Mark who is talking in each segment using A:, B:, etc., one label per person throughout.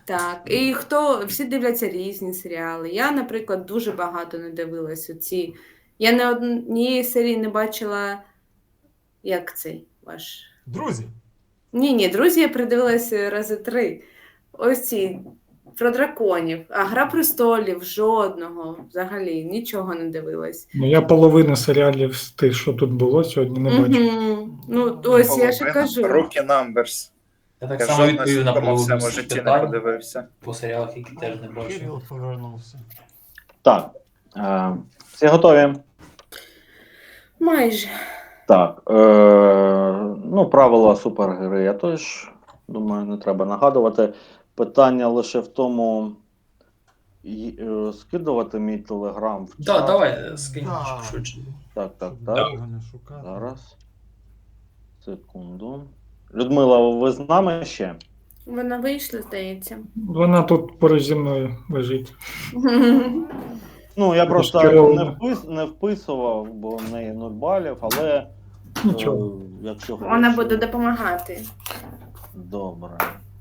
A: Так. І всі дивляться різні серіали. Я, наприклад, дуже багато не дивилась оці. Я не однієї серії не бачила, як цей ваш.
B: Друзі,
A: Ні, друзі, я придивилася рази 3. Ось ці про драконів. А Гра престолів жодного. Взагалі нічого не дивилась.
C: Ну, я половину серіалів з тих, що тут було, сьогодні не бачу.
A: Ну, ось я ж кажу.
D: Rookie Numbers.
E: Я так
D: Я
E: само
D: жодного
E: відповів на
D: ситкому в
E: половину
D: своєму
E: всіх
D: житті не
E: питань
D: подивився.
E: по серіалах, які теж не бачив.
B: Кирил повернувся.
F: Так. Всі готові?
A: Майже.
F: Так. Ну, правила супергри я теж, думаю, не треба нагадувати. Питання лише в тому, скидувати мій телеграм в чат.
E: Так, давай, скинь
B: Да.
E: швидше.
F: Так.
B: Щоб довго не шукати.
F: Зараз. Секунду. Людмила, ви з нами ще?
A: Вона вийшла, здається.
C: Вона тут поруч зі мною лежить.
F: Ну, я просто
C: Кирил.
F: не вписував, бо в неї 0 балів, але
C: Нічого.
F: якщо
A: Вона
F: хочеш-
A: буде допомагати.
F: Добре.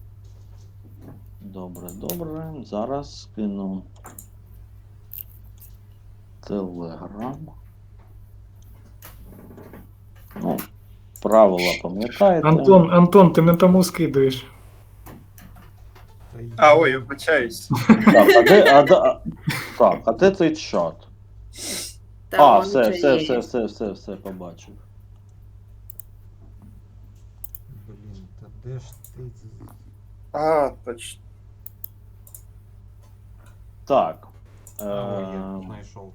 F: Зараз скину телеграм. Ну, правила пам'ятаєте.
C: Антон, ти не тому скидуєш.
D: Ой, вибачаюсь.
F: А де цей чат?
A: Та, вон вже є.
F: Все, побачив.
B: Блін, та де ж ти?
D: Точно.
F: Так.
B: Я знайшов.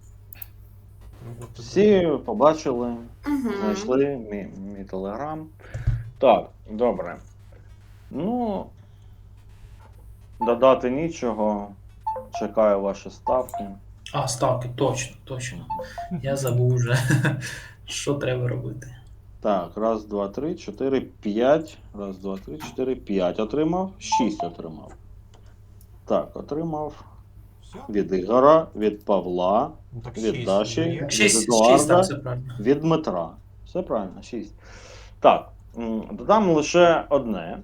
F: Всі побачили,
A: Мгм.
F: знайшли мій телеграм. Так, добре. Ну, додати нічого. Чекаю ваші ставки.
E: А, ставки, точно. Я забув вже, що треба робити.
F: Так, 1, 2, 3, 4, 5. 1, 2, 3, 4, 5 отримав. 6 отримав. Так, отримав
B: Все?
F: від Ігора, від Павла,
B: Ну, так
F: від
B: 6
F: Даші.
B: є.
F: Від
E: 6,
F: Едуарда.
E: так, все правильно.
F: від Дмитра. Все правильно, 6. Так, додам лише одне.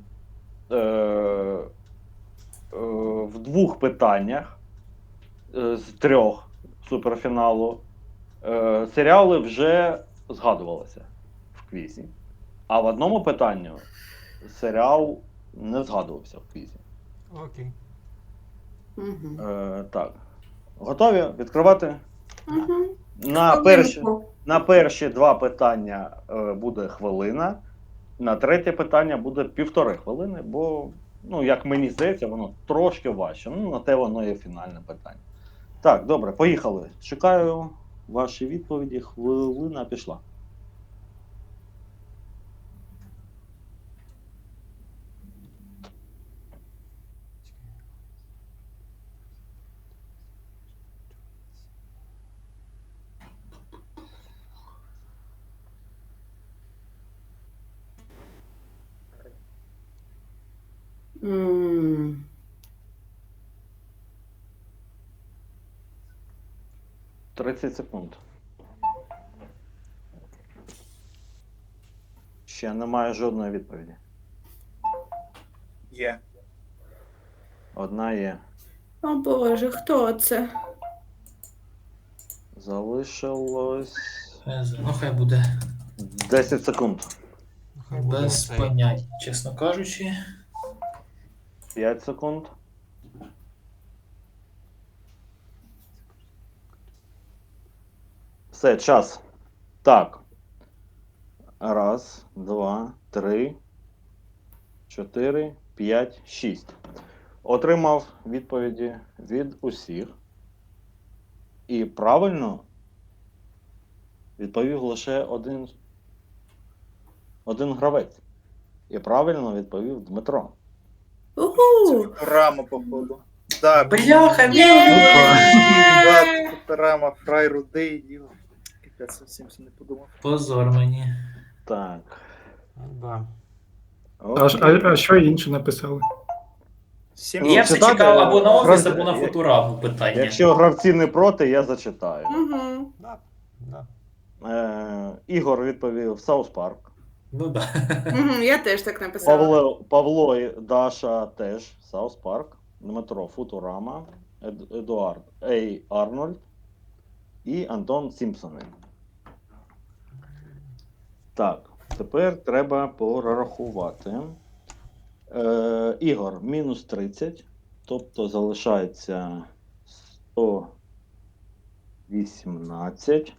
F: В 2 питаннях з 3 суперфіналу серіали вже згадувалися в квізі. А в одному питанні серіал не згадувався в квізі.
B: Окей.
A: Мгм.
F: Так. Готові відкривати?
A: Мгм.
F: На перші 2 питання буде хвилина, на третє питання буде 1,5 хвилини, бо, ну, як мені здається, воно трошки важче. Ну, на те воно є фінальне питання. Так, добре, поїхали. Чекаю ваші відповіді. Хвилина пішла.
A: М.
F: 30 секунд. Ще немає жодної відповіді.
D: Є.
F: Одна є.
A: О Боже, хто це?
F: Залишилось
E: Ну, хай буде
F: 10 секунд.
B: Хай буде
E: без
B: оцей.
E: понять, чесно кажучи.
F: 5 секунд. Все, час. Так. 1, 2, 3, 4, 5, 6. Отримав відповіді від усіх. І правильно відповів лише один гравець. І правильно відповів Дмитро.
A: Уху!
D: Рама, походу. Да,
E: Бляха,
D: Рама, фрай рудий, діло. Капець, зовсім не подумав.
E: позор мені.
F: Так.
B: Да.
C: А що інше написали?
E: Я все
F: читати,
E: чекав або на офіс,
F: гравці-
E: або на футураму питання.
F: Якщо гравці не проти, я зачитаю.
A: Угу.
B: Да.
F: Ігор відповів Саус Парк.
E: Ну да.
A: Я теж так написала.
F: Павло і Даша теж Саус Парк, Дмитро Футурама, Едуард Ей Арнольд і Антон Сімпсони. Так, тепер треба порахувати. Ігор мінус 30, тобто залишається 118.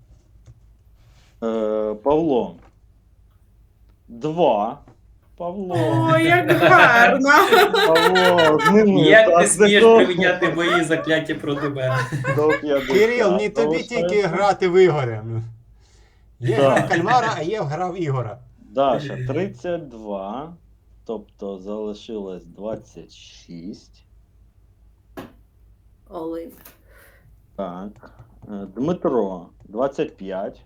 F: Павло 2. Павло.
A: О, як гарно!
F: Павло, зніми
E: Як ти
F: так,
E: смієш
F: до-
E: приміняти мої закляття проти мене?
F: до 50.
B: Кирил, не тобі
F: Залишається.
B: тільки грати в Ігоря. Є
F: Да.
B: грав кальмара, а є грав Ігора.
F: Даша 32, тобто залишилось 26.
A: Олин.
F: Так. Дмитро 25.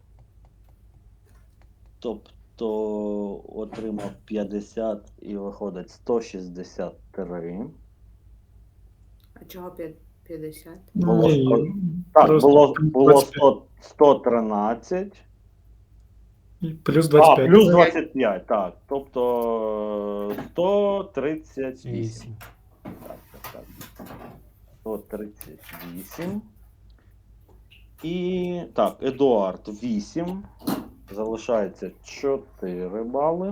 F: Тобто отримав 50 і виходить 163.
A: А чого 50?
F: Було
C: Ні,
F: 100. Так,
C: просто
F: було
C: 25.
F: 113.
C: І плюс
F: А,
C: 25.
F: плюс 25, так. Тобто 138.
B: 8.
F: Так. 138. І так, Едуард 8. Залишається 4 бали.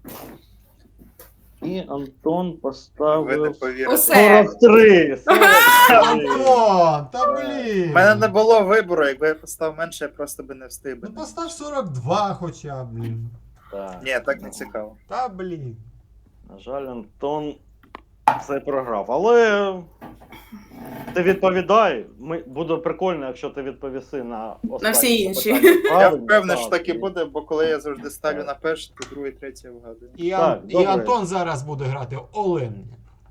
F: І Антон
D: Ви не
F: поставив
D: повірите.
A: Усе.
F: 43. 43.
B: Антон, та блін.
D: У мене не було вибору, якби я поставив менше, я просто би не встиг би.
B: Ну постав 42 хоча б, блін.
F: Так.
D: Ні, так не цікаво.
B: Та блін.
F: На жаль, Антон це програв. Але ти відповідай. Буде прикольно, якщо ти відповіси на останнє
A: всі інші.
F: питання
D: Я
F: правильно.
D: впевнений, що
F: Так,
D: так і буде, бо коли я завжди ставлю на перше, то другий, третій вгадую.
B: І,
F: Так,
B: і
F: добре.
B: Антон зараз буде грати Олен.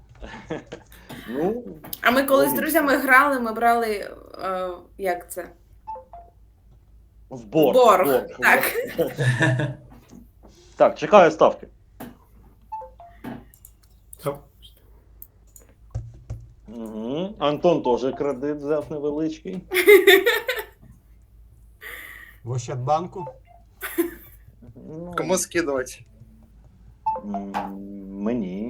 F: Ну,
A: А ми коли з
F: Логічно.
A: друзями грали, ми брали. Як це?
F: в борг.
A: Борг. Так.
F: Так, чекаю ставки.
C: Та-
F: Угу. Антон теж кредит взяв невеличкий.
B: В Ощадбанку.
F: Ну,
D: Кому скидувати?
F: Мені.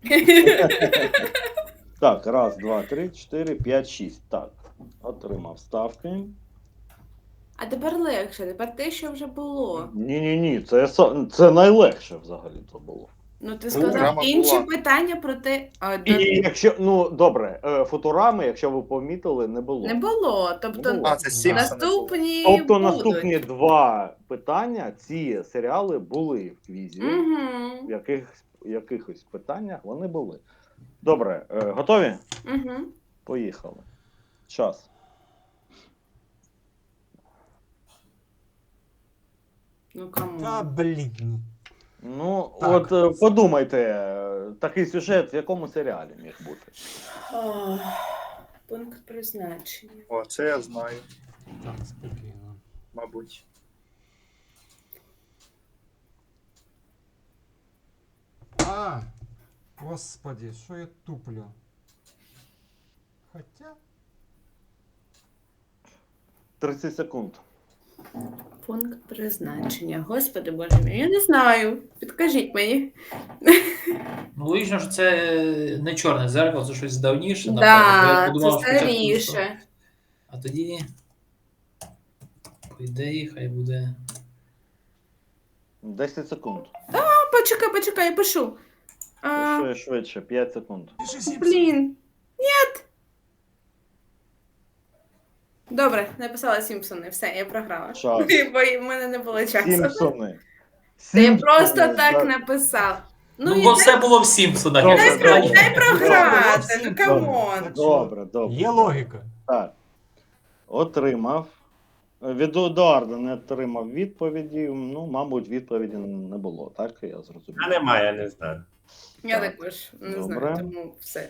F: Так, раз, два, три, 4, 5, 6. Так, отримав ставки.
A: А тепер легше, тепер те, що вже було.
F: Ні, це найлегше взагалі то було.
A: Ну ти
D: Футурама
A: сказав інші
D: була.
A: питання про те.
F: І якщо, ну добре, Футурами, якщо ви помітили, не було.
A: Не було. Тобто
F: Не було.
D: А, це Сімпсони.
A: наступні.
F: Тобто
A: будуть.
F: наступні два питання, ці серіали були в квізі.
A: Угу.
F: В якихось питаннях вони були. Добре, готові?
A: Угу.
F: Поїхали. Час.
A: Ну кому?
B: Та блін.
F: Ну,
B: Так.
F: от подумайте, такий сюжет в якому серіалі міг бути?
A: Пункт призначення.
D: О, це я знаю,
B: Так, спокійно.
D: мабуть.
B: А, господи, що я туплю? Хоча.
F: 30 секунд.
A: Пункт призначення. Господи боже мій, я не знаю. Підкажіть мені.
E: Ну, логічно, що це не чорне зеркало, це щось давніше, напевно. бо я
A: Так,
E: подумав
A: це
E: спочатку, що-
A: старіше.
E: А тоді, по ідеї, хай буде.
F: 10 секунд.
A: Почекай, я пишу.
F: Швидше, 5 секунд.
A: Блін. Ні. Добре, написала Сімпсони. Все, я програла.
F: Час.
A: Бо в мене не було часу.
F: Сімпсони.
A: Та я
F: Сімпсони,
A: просто так
F: так.
A: написав.
E: Ну,
A: і
E: бо все було в Сімпсонах.
F: Добре,
E: я
F: добре.
E: сказав.
A: дай програти,
B: Добре,
A: ну
B: добре.
A: камон.
F: Добре, добре.
B: Є логіка.
F: Так. Отримав. Від Едуарда не отримав відповіді. Ну, мабуть, відповіді не було, так? Я зрозумів.
G: А немає, я не знаю.
A: Я
F: Так.
A: також не
F: Добре.
A: знаю, тому все.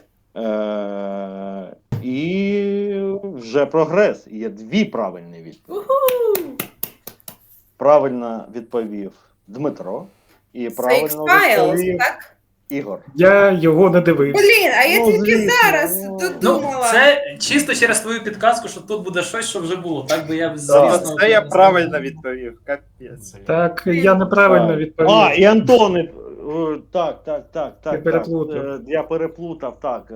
F: І вже прогрес. Є дві правильні відповіді.
A: Уху!
F: Правильно відповів Дмитро. І правильно
A: Fake Files,
F: відповів
A: так?
F: Ігор.
C: Я його не дивився.
A: Блін, а я
F: Ну,
A: тільки
F: звісно,
A: зараз
F: ну.
E: Ну,
A: додумала.
E: це чисто через твою підказку, що тут буде щось, що вже було. Так би я,
D: Та
E: звісно,
D: це я
E: не
D: правильно
E: знав.
D: відповів, капець.
C: Так, я неправильно
F: Так.
C: відповів.
F: А, і Антон. Так.
C: Я переплутав.
F: Я переплутав, так.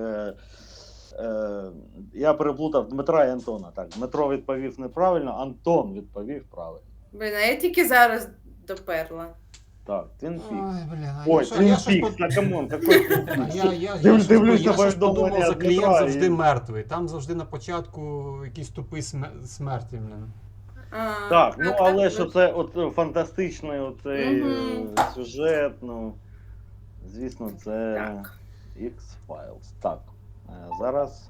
F: Я переплутав Дмитра і Антона. Так, Дмитро відповів неправильно, Антон відповів правильно.
A: Блін, а я тільки зараз доперла.
F: Так, Twin Peaks.
B: Ой, блін, а
F: Ой,
B: я що-
F: Twin
B: я щось
F: Peaks,
B: под-
F: та камон, какой Twin
B: А
F: Peaks?
B: Я
F: Дивлюсь на
B: щось подумав,
F: повідомлення
B: за клієнт
F: Дмитра
B: завжди
F: і-
B: мертвий. Там завжди на початку якийсь тупий смерті, блін.
F: Так, ну але
A: так,
F: що це от фантастичний оцей
A: Мгм.
F: сюжет, ну, звісно, це
A: Так.
F: X-Files. Так, зараз.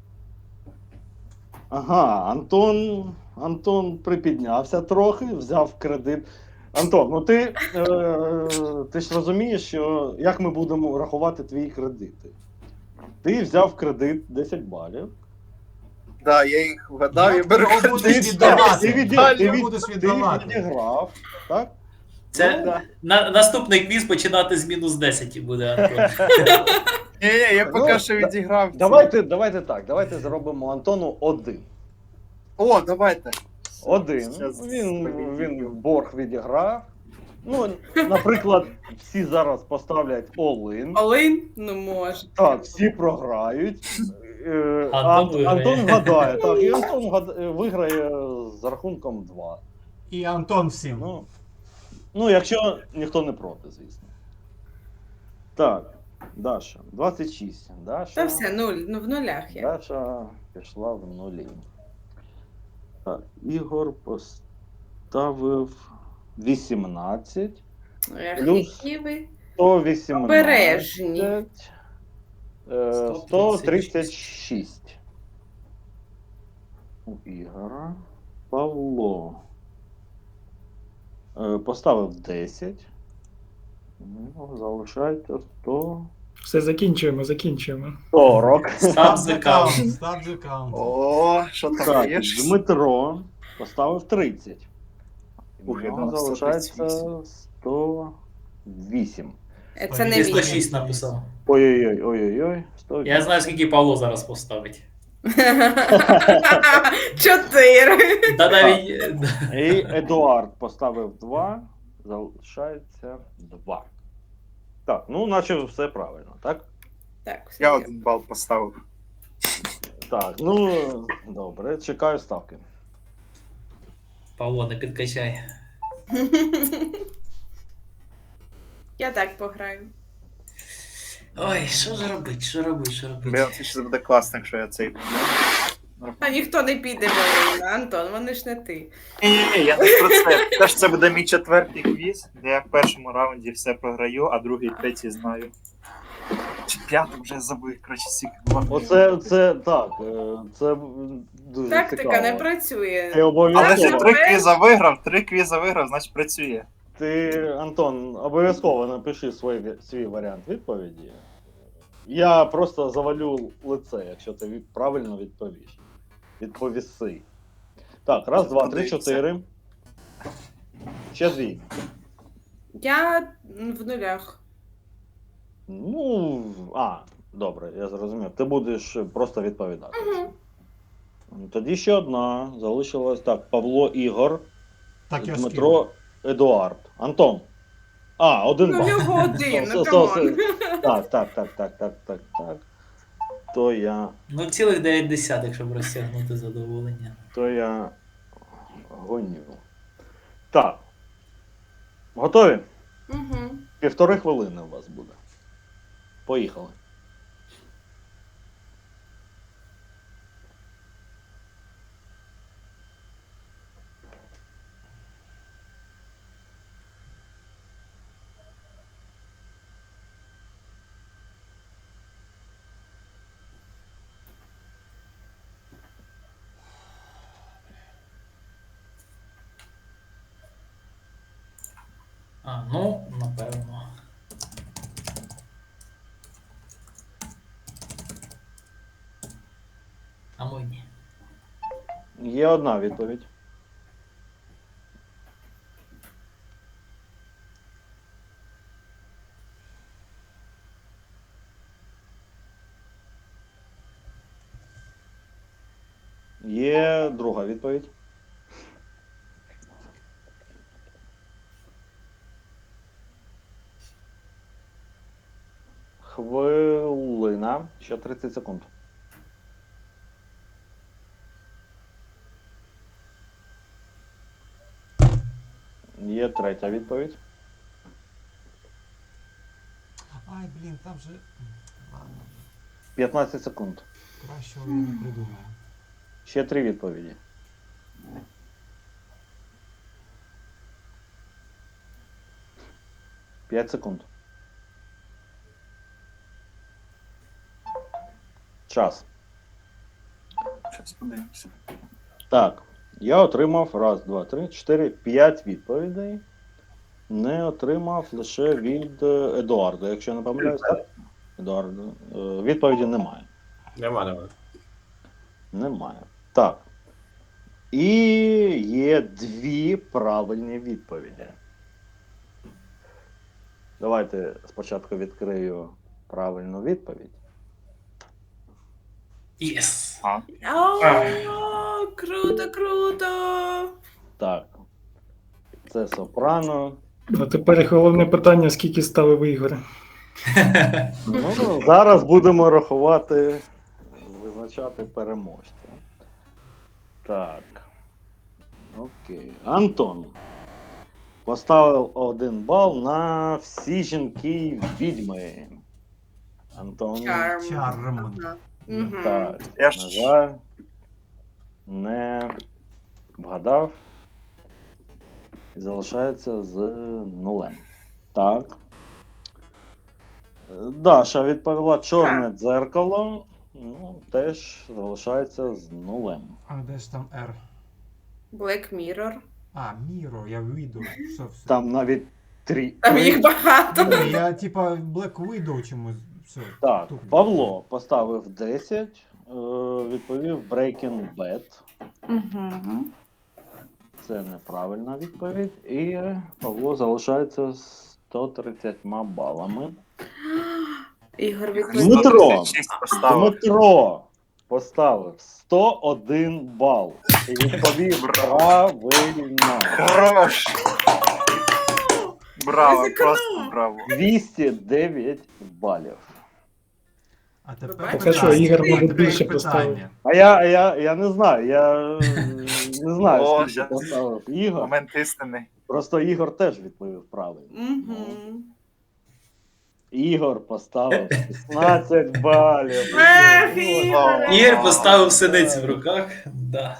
F: Ага, Антон припіднявся трохи, взяв кредит. Антон, ну ти ж розумієш, що як ми будемо рахувати твої кредити? Ти взяв кредит 10 балів.
D: Да, я їх вгадав, я беру
B: Його будеш
D: кредит.
B: віддавати.
F: Ти
B: Будеш
F: ти
B: віддавати.
F: відіграв, так?
E: Це
F: Ну, да.
E: наступний квіз починати з мінус 10 буде, Антон.
D: Ні, я
F: Ну,
D: поки що відіграв. ці.
F: Давайте так, давайте зробимо Антону 1.
D: О, давайте.
F: 1.
D: Щас
F: Він
D: повідомлю.
F: борг відіграв. Ну, наприклад, всі зараз поставлять all-in.
A: Олин? Ну може.
F: Так, всі програють.
E: Антон виграє.
F: Антон вгадає. Так, і Антон виграє з рахунком 2.
B: І Антон всім.
F: Ну, якщо ніхто не проти, звісно. Так, Даша, 26. Даша,
A: Та все, ну в нулях я.
F: Даша пішла в нулі. Так, Ігор поставив 18.
A: Ех,
F: плюс
A: які ви
F: 118.
A: обережні.
F: 136. У Ігора. Павло. Поставив 10. Ну, залишається 140.
C: Все, закінчуємо.
E: Stop the count.
B: Stop the count.
D: О, що там
F: Так,
D: є?
F: Дмитро поставив 30. У
D: Ух, я
F: нього
D: думав,
F: залишається
D: 138.
F: 108.
A: Це не
E: Ти
A: він.
E: 106 написав.
F: Ой-ой-ой, 108.
E: Я знаю, скільки Павло зараз поставить.
A: 4.
E: Та навіть
F: І Едуард поставив 2, залишається 2. Так, ну наче все правильно, так?
A: Так, все.
D: Я
A: є.
D: 1 бал поставив.
F: Так, ну добре, чекаю ставки.
E: Павло, не підкачай.
A: Я так пограю.
E: Ой, що ж робить, що робить?
D: Блін, це ще буде класно, якщо я цей.
A: А ніхто не піде, Марина, Антон, вони ж не ти.
D: Ні, я не про це. Теж це буде мій 4-й квіз, де я в першому раунді все програю, а другий, третій знаю. Чи 5-й вже забив, коротше, стільки два.
F: Оце так, це дуже
A: Тактика
F: цікаво.
A: не працює.
F: Ти
D: Але ж
F: обов'язково,
D: я 3 квіза виграв, значить працює.
F: ти, Антон, обов'язково напиши свій варіант відповіді. Я просто завалю лице, якщо ти правильно відповіш. Відповіси. Так, раз, два, три, чотири. Ще 2.
A: Я в нулях.
F: Ну, добре, я зрозумів. Ти будеш просто відповідати.
A: Угу.
F: Тоді ще одна. Залишилось так. Павло Ігор,
B: Так я
F: Дмитро Едуард. Антон. 1
A: Ну,
F: бал.
A: в нього один, ну
F: Со-
A: камон.
F: Так. То я
E: Ну, цілих 9 десятих, щоб розтягнути задоволення.
F: гоню. Так. Готові?
A: Угу.
F: 1,5 хвилини у вас буде. Поїхали.
E: Ну, напевно. А мої.
F: Є одна відповідь. Є друга відповідь. Хвилина, ще 30 секунд. Є третя відповідь.
B: Ай, блін, там же. Ладно,
F: 15 секунд.
B: кращого я не придумаю.
F: Ще 3 відповіді. П'ять секунд. Час.
D: Щас подивимося.
F: Так, я отримав 1, 2, 3, 4, 5 відповідей. Не отримав лише від Едуарда, якщо я не помиляюсь. Так? Едуарда. Відповіді немає.
G: Нема.
F: Немає. Так. І є 2 правильні відповіді. Давайте спочатку відкрию правильну відповідь.
E: Єс!
D: А,
A: О, круто, круто!
F: Так. Це сопрано.
C: А тепер головне питання, скільки ставив Ігор.
F: Ну, зараз будемо рахувати, визначати переможця. Так. Окей. Антон поставив 1 бал на всі жінки відьми. Антон.
A: Charm.
B: Чарм.
A: Ага. Мгм.
F: Так.
D: Я
F: На
D: ж
F: жаль, не вгадав. І залишається з 0. Так. Даша відповіла чорне дзеркало. Ну, теж залишається з 0.
B: А де ж там R?
A: Black Mirror.
B: А, Міро, я Widow. Все.
F: Там навіть 3.
A: Там їх багато.
B: Ні, я типа Black Widow чомусь. Все.
F: Так,
B: тупо.
F: Павло поставив 10, відповів Breaking Bad.
A: Угу.
F: Це неправильна відповідь. І Павло залишається з 130 балами.
A: Ігор
F: Дмитро.
A: відповідь.
D: 136 поставив.
F: Дмитро поставив 101 бал. І відповів правильно.
D: Хорош! Браво,
A: Ризикнув.
D: просто браво.
F: 209 балів.
B: А тепер
A: Так,
C: а що, Ігор, мабуть, більше
B: питання.
C: поставив.
F: А я не знаю, я не знаю,
D: О,
F: скільки
D: щас.
F: поставив Ігор.
D: Момент істини.
F: Просто Ігор теж відповів правильно.
A: Угу.
F: Ігор поставив 16 балів.
A: Ех, Ігор!
E: Ігор поставив синиці в руках. Да.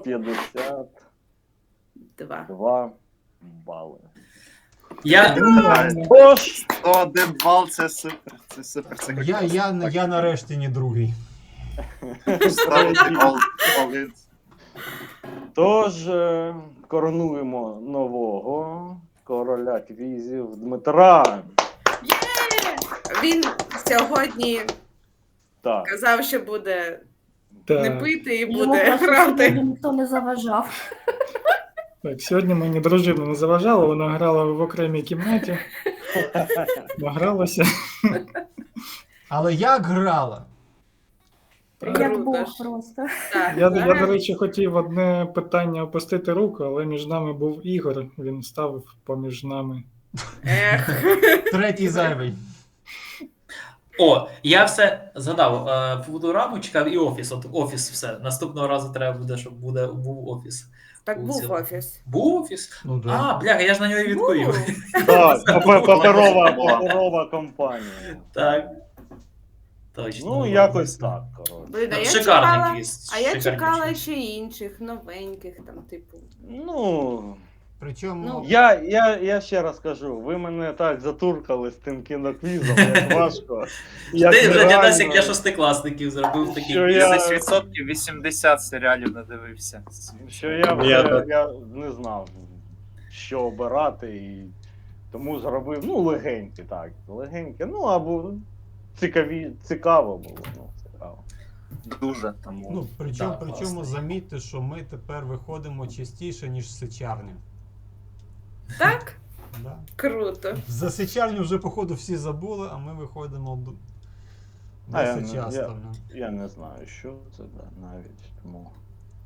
F: 152
A: Два.
F: бали.
E: Я,
F: Тож,
D: 101 бал, це супер. Це супер. Це
B: Я нарешті не другий.
D: ставити all-in.
F: тож коронуємо нового короля квізів Дмитра.
A: Є! Він сьогодні
F: Так,
A: казав, що буде не
C: Так,
A: пити і
H: Йому
A: буде
H: просто
A: грати.
H: сьогодні ніхто не заважав.
C: так, сьогодні мені дружина не заважала, вона грала в окремій кімнаті. Награлася.
B: Але як грала?
H: Як
A: Круто
H: Бог
A: ж.
H: просто.
A: Так,
C: Я, до речі, хотів одне питання опустити руку, але між нами був Ігор, він ставив поміж нами.
A: Ех.
B: Третій зайвий.
E: О, я все згадав. Футураму чекав і офіс. От офіс все. Наступного разу треба буде, щоб був офіс.
A: Так був офіс.
E: Був офіс?
B: Ну
E: А, бляха, я ж на нього і відповів.
A: Був.
F: так, паперова компанія.
E: Так. Точно.
F: Ну, якось так, коротше.
A: Блін, а я
E: Шикарний
A: чекала,
E: квіз.
A: а я
E: шикарніший.
A: чекала ще інших, новеньких, там, типу.
F: Ну,
B: Причому
A: Ну,
F: я ще раз кажу, ви мене так затуркали з тим кіноквізом, як важко. як
E: Ти вже
F: нереально.
E: дядасик для шостикласників зробив такий.
F: Що я-
D: 10% 80 серіалів надивився.
F: Що я вже я не знав, що обирати, і тому зробив, ну, легенькі, так, легенькі, ну, або цікаво було, ну, цікаво.
D: Дуже тому.
B: Ну, причому,
E: Да, класно.
B: замітьте, що ми тепер виходимо частіше, ніж з сичарні.
A: Так?
B: Да.
A: Круто.
B: За сичарню вже, походу, всі забули, а ми виходимо
F: А, я
B: досить
F: не-
B: часто. ну.
F: Я не знаю, що це, да, навіть, тому...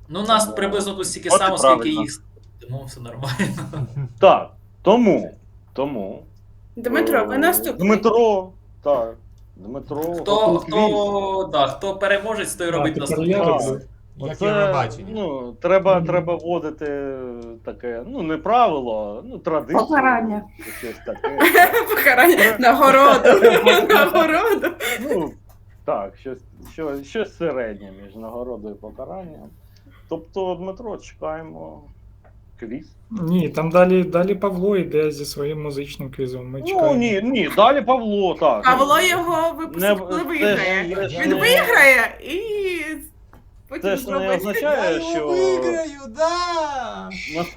E: Ну, нас приблизно тут стільки
D: От і
E: само, скільки
D: правильно.
E: їх. Тому все нормально.
F: Так, тому.
A: Дмитро, ви наступний.
F: Дмитро, так. Дмитро.
E: Хто переможець, той
C: А,
E: робить
C: тепер
E: наступний
C: я
E: раз.
C: роблю.
B: Як
F: Оце,
B: Євробачення.
F: ну, треба вводити таке, ну, не правило, ну, традицію.
H: Покарання.
F: Щось таке.
A: Покарання. Нагороду. Нагороду.
F: Ну, так, щось середнє між нагородою і покаранням. Тобто, Дмитро, чекаємо квіз.
C: Ні, там далі Павло йде зі своїм музичним квізом. Ми
F: Ну,
C: чекаємо.
F: ні, далі Павло, так.
A: Павло його
F: Не-
A: випустить, коли
F: це
A: виграє.
F: ж
A: Він
F: не-
A: виграє і потім
F: Це ж не
A: зробить.
F: означає, що
B: виграю, да!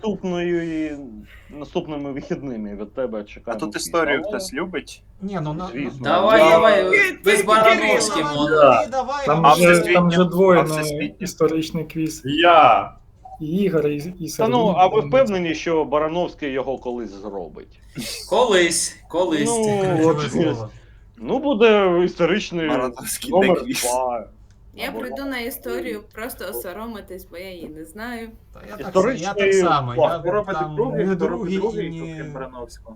F: наступними вихідними від тебе
D: А
F: чекаємо.
D: тут
F: квіз.
D: історію
F: Але-
D: хтось любить.
B: Ні, ну
F: Звісно.
E: Давай,
A: Ти-
E: ви з
A: ти
E: Барановським.
A: Кирило.
E: он.
B: Давай,
C: Там
D: А
C: вже
D: всесвітньо?
C: двоє
D: А
C: на
D: всесвітньо?
C: історичний квіз.
G: Я.
C: І Ігор, і
F: Та
C: Сергій.
F: ну, а ви впевнені, що Барановський його колись зробить?
E: Колись.
F: Ну, от,
B: слово.
F: ну буде історичний
D: Барановський
F: номер
D: деквіз.
F: 2.
A: Я прийду на історію просто осоромитись, бо я її не знаю.
B: Та я так
F: Історичний
B: само. Я
F: факт.
D: Хто робить
B: там
D: другий,
B: не
D: хто робить
B: другий і
D: другий,
B: не...
D: крім Барановського.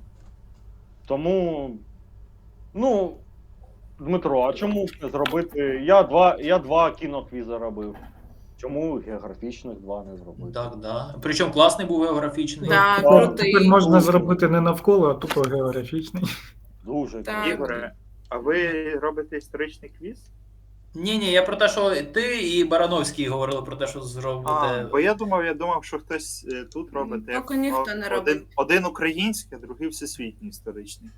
F: Тому, ну, Дмитро, а чому не зробити? Я два кіноквіза робив. Чому географічних два не зробити?
E: Так, да. Причому класний був географічний.
A: Так,
F: Ну,
A: крутий.
C: Тепер можна зробити не навколо, а тупо географічний.
F: Дуже
A: Так.
F: круто.
D: Ігоре, а ви робите історичний квіз?
E: Ні, я про те, що ти і Барановський говорили про те, що
D: А,
E: зробите.
D: бо я думав, що хтось тут робить.
A: Поки ніхто не робить.
D: Один український, а другий всесвітній історичний.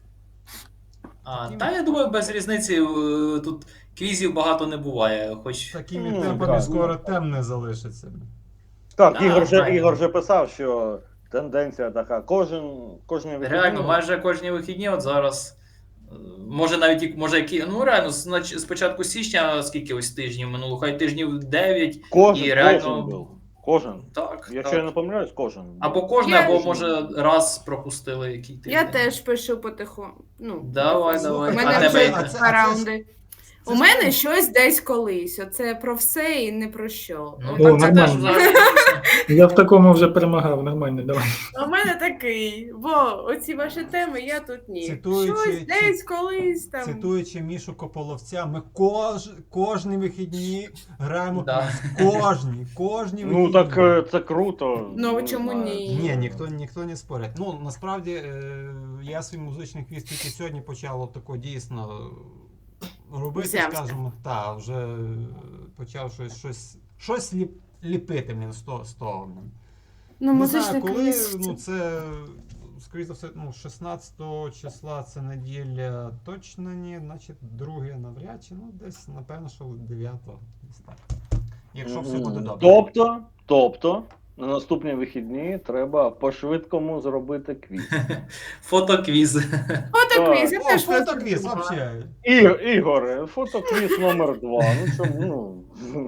E: Та я думаю, без різниці тут квізів багато не буває. Хоч
B: Такими
F: Ну,
B: темпами
F: так.
B: скоро тем не залишиться.
F: Так,
E: Да,
F: Ігор
E: правильно.
F: же писав, що тенденція така. Кожен
E: реально, майже кожні вихідні, от зараз. Може навіть ну реально, з початку січня, скільки ось тижнів минуло, хай тижнів 9,
F: кожен,
E: і реально.
F: кожен був. Кожен.
E: Так.
F: Якщо я
E: так.
F: не помиляюсь, кожен.
E: Або кожне,
A: Я-
E: або може раз пропустили який тиждень.
A: Я теж пишу потиху. Ну,
E: Давай.
A: У
B: А
A: мене
B: тебе-
A: вже
B: а це-
A: два раунди.
B: це
A: У мене щось десь колись. Оце про все і не про що.
E: Ну,
C: О,
E: так це теж
C: нормально.
E: взагалі.
C: Я в такому вже перемагав, нормально, давай.
A: У мене такий, бо оці ваші теми я тут ні.
B: Цитуючи-
A: Щось десь колись там.
B: Цитуючи Мішу Кополовця, ми кожні вихідні граємо
E: Да.
B: кожні вихідні.
F: Ну так це круто.
A: Ну,
F: Не
A: чому
F: знаю.
A: ні?
B: Ні, ніхто не спорить. Ну, насправді, я свій музичний квіз тільки сьогодні почав тако дійсно робити,
A: Взявся.
B: скажімо, вже почав щось ліпити, з того.
A: Ну,
B: Не
A: музичний
B: знаю, коли,
A: квіз.
B: це, скоріше за все, 16 числа це неділя точно ні, значить, друге навряд чи, десь, напевно, що 9-го. десь так. Якщо все буде добре.
F: Тобто, на наступні вихідні треба по-швидкому зробити квіз.
E: Фотоквіз.
A: Фотоквіз, я
B: О,
A: теж
B: фотоквіз,
A: фотоквіз.
B: взагалі.
F: Ігоре, фотоквіз номер 2. Ну чому?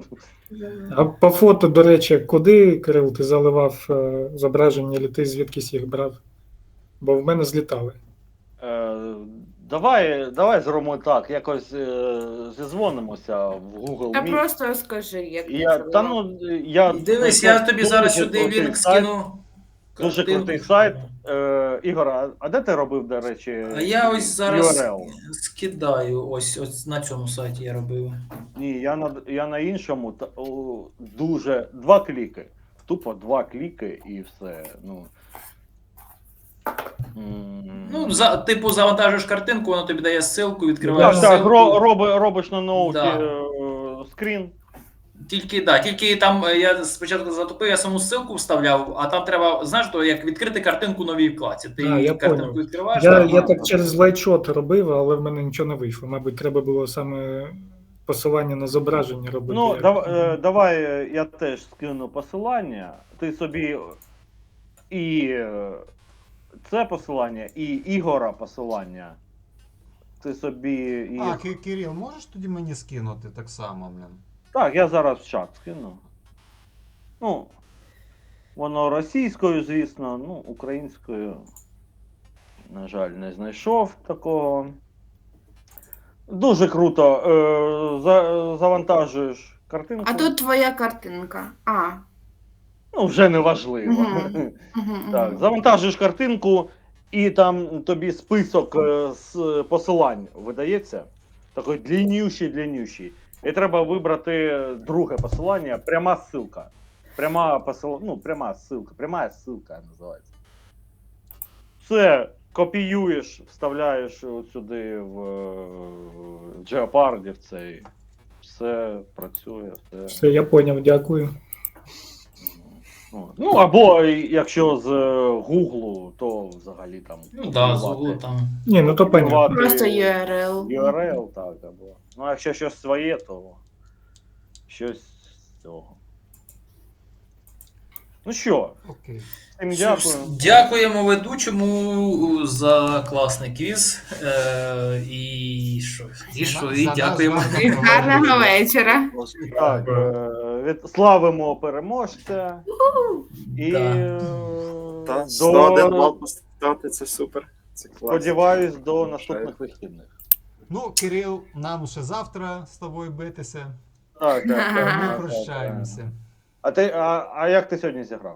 C: А по фото, до речі, куди, Кирил, ти заливав зображення, чи ти звідкись їх брав? Бо в мене злітали.
F: Давай зробимо так, якось зізвонимося в Google
A: Та
F: Meet.
A: просто скажи, як ти
F: Я,
A: це
F: та,
A: робила.
F: я
E: Дивись, я тобі
F: дуже
E: зараз сюди
F: крутий
E: лінк
F: сайт.
E: скину.
F: Дуже
E: Картинку.
F: крутий сайт. Ігор, а де ти робив, до речі,
E: А я ось зараз
F: URL?
E: скидаю. Ось на цьому сайті я робив.
F: Ні, я на іншому. Дуже 2 кліки. Тупо 2 кліки і все.
E: Ну, типу, завантажуєш картинку, воно тобі дає ссылку, відкриваєш
F: Так,
E: ссылку.
F: робиш на ноуті
E: Да.
F: скрін.
E: Тільки там я спочатку затупив, я саму ссылку вставляв, а там треба, знаєш, то як відкрити картинку в новій вкладці. Ти
C: Я
E: картинку
C: поняв.
E: відкриваєш.
C: Я так через лайчот робив, але в мене нічого не вийшло. Мабуть, треба було саме посилання на зображення робити.
F: Ну, давай я теж скину посилання. Ти собі і це посилання, і Ігора посилання. Ти собі їх.
B: А, Кирил, можеш тоді мені скинути так само, блін?
F: Так, я зараз в чат скину. Ну, воно російською, звісно, українською, на жаль, не знайшов такого. Дуже круто. Завантажуєш картинку.
A: А тут твоя картинка.
F: Ну, вже не важливо.
A: Мгм. Мгм,
F: Так,
A: мгм.
F: завантажуєш картинку, і там тобі список з посилань видається. Такий длиннющий. І треба вибрати друге посилання, пряма ссылка. Пряма ссылка називається. Це копіюєш, вставляєш от сюди в Jeopardy в цей. Все працює, все.
C: Все, я поняв, дякую.
F: Ну, або якщо з Гуглу, то взагалі там.
E: Ну да, з углу там.
C: Ні, ну то понятно.
F: копіювати
A: Просто URL.
F: URL, так, або. Ну, а якщо щось своє, то щось з цього. Ну що,
B: Окей.
F: всім
E: Що ж,
F: дякую.
E: Дякуємо ведучому за класний квіз. І
B: За
E: дякуємо.
B: наш
A: І гарного вечора.
F: Так, славимо переможця. І
E: Да.
D: Та 101 бал поставити, це супер. Це класно.
F: сподіваюсь, до наступних вихідних.
B: Ну, Кирил, нам ще завтра з тобою битися.
F: Так,
B: Ми
F: так.
B: прощаємося.
F: А як ти сьогодні зіграв?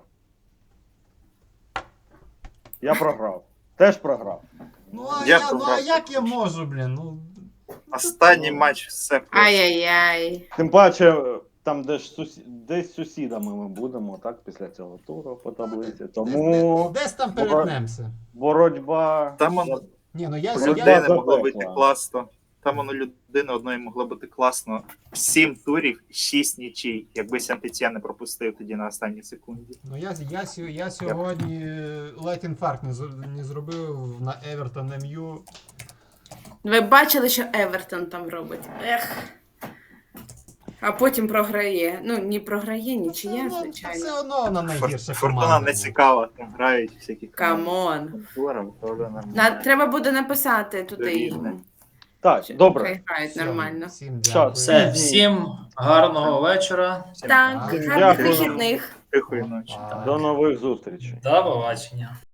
F: Я програв. Теж програв.
B: Ну,
D: Я
B: а
D: програв.
B: як я можу, блін? Ну,
D: Останній матч все просто.
A: Ай-яй-яй.
F: Тим паче, там десь сусідами ми будемо, так, після цього туру по таблиці. Тому
B: десь там перетнемося.
F: боротьба.
D: Там воно
B: Ні, ну
D: у
B: я
D: людини могло
F: запекла.
D: вийти класно. Там воно людини одної могло бути класно. 7 турів, 6 нічий. Якби Сантетія не пропустив тоді на останній секунді.
B: Ну я сьогодні ледь інфаркт не зробив на Евертон МЮ.
A: Ви бачили, що Евертон там робить? Ех. А потім програє. Ну, не програє, нічия,
B: Ну,
A: звичайно.
B: все одно вона найгірша
D: Фортуна
B: команда.
D: не цікава, там грають всякі
A: Камон.
D: Фортуна, то нормально.
A: Треба буде написати туди
D: Довірне.
A: їм.
F: Так,
A: Що
F: добре.
A: хай грають
B: Все,
A: нормально.
B: Всім
F: Що,
B: дякую.
E: Все, всім гарного вечора.
D: Всім
A: Так,
B: Дякую.
A: гарних
F: Дякую.
A: вихідних.
D: тихої ночі.
B: Так.
F: До нових зустрічей.
E: До побачення.